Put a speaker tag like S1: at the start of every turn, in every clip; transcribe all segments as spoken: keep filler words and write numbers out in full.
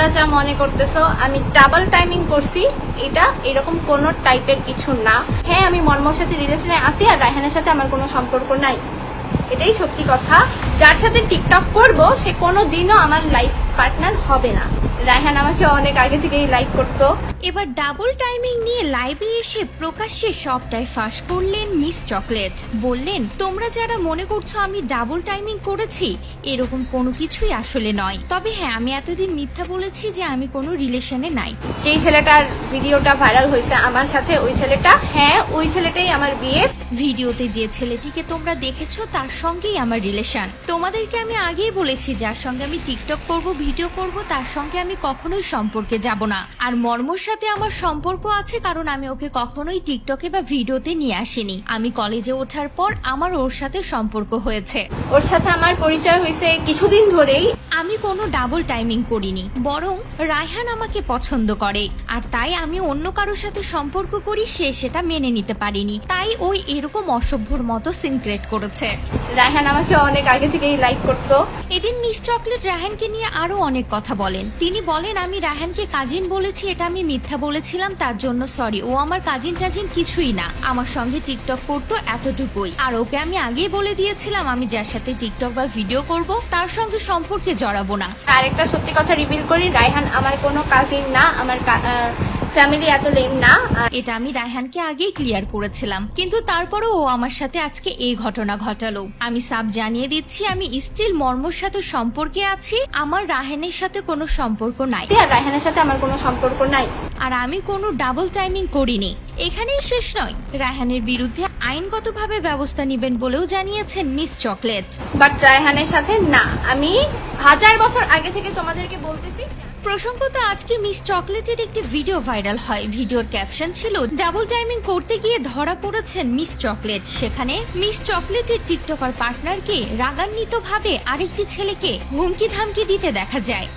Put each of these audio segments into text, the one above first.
S1: তোমরা যা মনে করতেছো আমি ডাবল টাইমিং করছি, এটা এরকম কোনো টাইপের কিছু না। হ্যাঁ, আমি মর্মর সাথে রিলেশনে আছি আর রায়হানের সাথে আমার কোনো সম্পর্ক নাই, এটাই সত্যি কথা। যার সাথে টিকটক করব সে কোনো দিনও আমার লাইফ পার্টনার হবে না। রায়হান আমাকে অনেক আগে থেকেই লাইক করতো।
S2: এবার ডাবল টাইমিং নিয়ে লাইভে এসে প্রকাশ্যে সবটাই ফাঁস করলেন মিস চকলেট। বললেন, তোমরা যারা মনে করছো আমি ডাবল টাইমিং করেছি, এরকম কোনো কিছুই আসলে নয়। তবে হ্যাঁ, আমি এতদিন মিথ্যা বলেছি যে আমি কোনো রিলেশনে নাই।
S1: যেই ছেলেটার ভিডিওটা ভাইরাল হয়েছে আমার সাথে, ওই ছেলেটা, হ্যাঁ ওই ছেলেটাই আমার বিয়ে।
S2: ভিডিওতে যে ছেলেটিকে তোমরা দেখেছো তার সঙ্গেই আমার রিলেশন। তোমাদেরকে আমি আগেই বলেছি যার সঙ্গে আমি টিকটক করব, ভিডিও করব, তার সঙ্গে আমি কখনোই সম্পর্কে যাব না। আর মর্মর সাথে আমার সম্পর্ক আছে কারণ আমি ওকে কখনোই টিকটকে বা ভিডিওতে নিয়ে আসিনি। আমি কলেজে ওঠার পর আমার ওর সাথে সম্পর্ক হয়েছে।
S1: ওর সাথে আমার পরিচয় হয়েছে কিছুদিন ধরেই।
S2: আমি কোনো ডাবল টাইমিং করিনি, বরং রায়হান আমাকে পছন্দ করে আর তাই আমি অন্য কারোর সাথে সম্পর্ক করি, সে সেটা মেনে নিতে পারিনি, তাই ওই এরকম অসভ্যর মতো সিনক্রেট করেছে।
S1: রায়হান আমাকে অনেক আগে থেকেই লাইক করতো।
S2: এদিন মিস চকলেট রায়হানকে নিয়ে আরো অনেক কথা বলেন। তিনি বলেন, আমি রায়হানকে কাজিন বলেছি, এটা আমি মিথ্যা বলেছিলাম, তার জন্য সরি। ও আমার কাজিন টাজিন কিছুই না, আমার সঙ্গে টিকটক করতো এতটুকুই। আর ওকে আমি আগেই বলে দিয়েছিলাম আমি যার সাথে টিকটক বা ভিডিও করব তার সঙ্গে সম্পর্কে জড়াবো না।
S1: আর একটা সত্যি কথা রিভিল করি, রায়হান আমার কোনো কাজিন না, আমার ফ্যামিলি এত লেন না।
S2: এটা আমি রায়হানকে আগেই ক্লিয়ার করেছিলাম, কিন্তু তারপরও ও আমার সাথে আজকে এই ঘটনা ঘটালো। আমি সাব জানিয়ে দিচ্ছি, আমি স্টিল মর্মর সাথে সম্পর্কে আছি, আমার রায়হানের সাথে কোনো সম্পর্ক নাই।
S1: আর রায়হানের সাথে আমার কোনো সম্পর্ক নাই।
S2: আর আমি কোনো ডাবল টাইমিং করিনি। এখানেই শেষ নয়, রায়হানের বিরুদ্ধে আইনগতভাবে ব্যবস্থা নেবেন বলেও জানিয়েছেন মিস চকলেট।
S1: বাট রায়হানের সাথে না, আমি হাজার বছর আগে থেকে তোমাদেরকে বলতেছি।
S2: প্রসঙ্গত আজকে মিস চকলেটের একটি ভিডিও ভাইরাল হয়। ভিডিওর ক্যাপশন ছিল, ডাবল টাইমিং করতে গিয়ে ধরা পড়েছেন মিস চকলেট। সেখানে মিস চকলেটের টিকটকার পার্টনারকে রাগান্বিত ভাবে আরেকটি ছেলেকে হুমকি ধামকি দিতে দেখা যায়,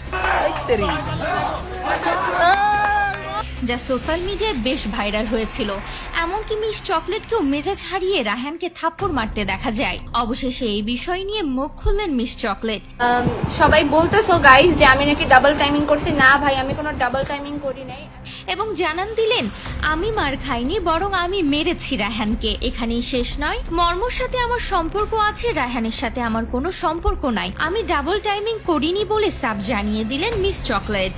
S2: যা সোশ্যাল মিডিয়ায় বেশ ভাইরাল হয়েছিল। এমনকি মিস চকলেটকেও মেজাজ হারিয়ে রায়হানকে থাপ্পড় মারতে দেখা যায়। অবশেষে এই বিষয় নিয়ে মুখ খুললেন মিস চকলেট।
S1: সবাই বলতেছো গাইস যে আমি নাকি ডাবল টাইমিং করছি, না ভাই আমি কোনো ডাবল টাইমিং করি নাই।
S2: এবং জানান দিলেন, আমি মার খাইনি, বরং আমি মেরেছি রায়হানকে। এখানেই শেষ নয়, মর্মর সাথে আমার সম্পর্ক আছে, রায়হানের সাথে আমার কোনো সম্পর্ক নাই। আমি ডাবল টাইমিং করিনি বলে সাব জানিয়ে দিলেন Miss Chocolate.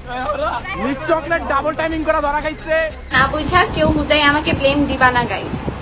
S3: Miss Chocolate double timing করা ধরা খাইছে
S1: না বুঝা কেউ হুদাই আমাকে ব্লেম দিবা না গাইস।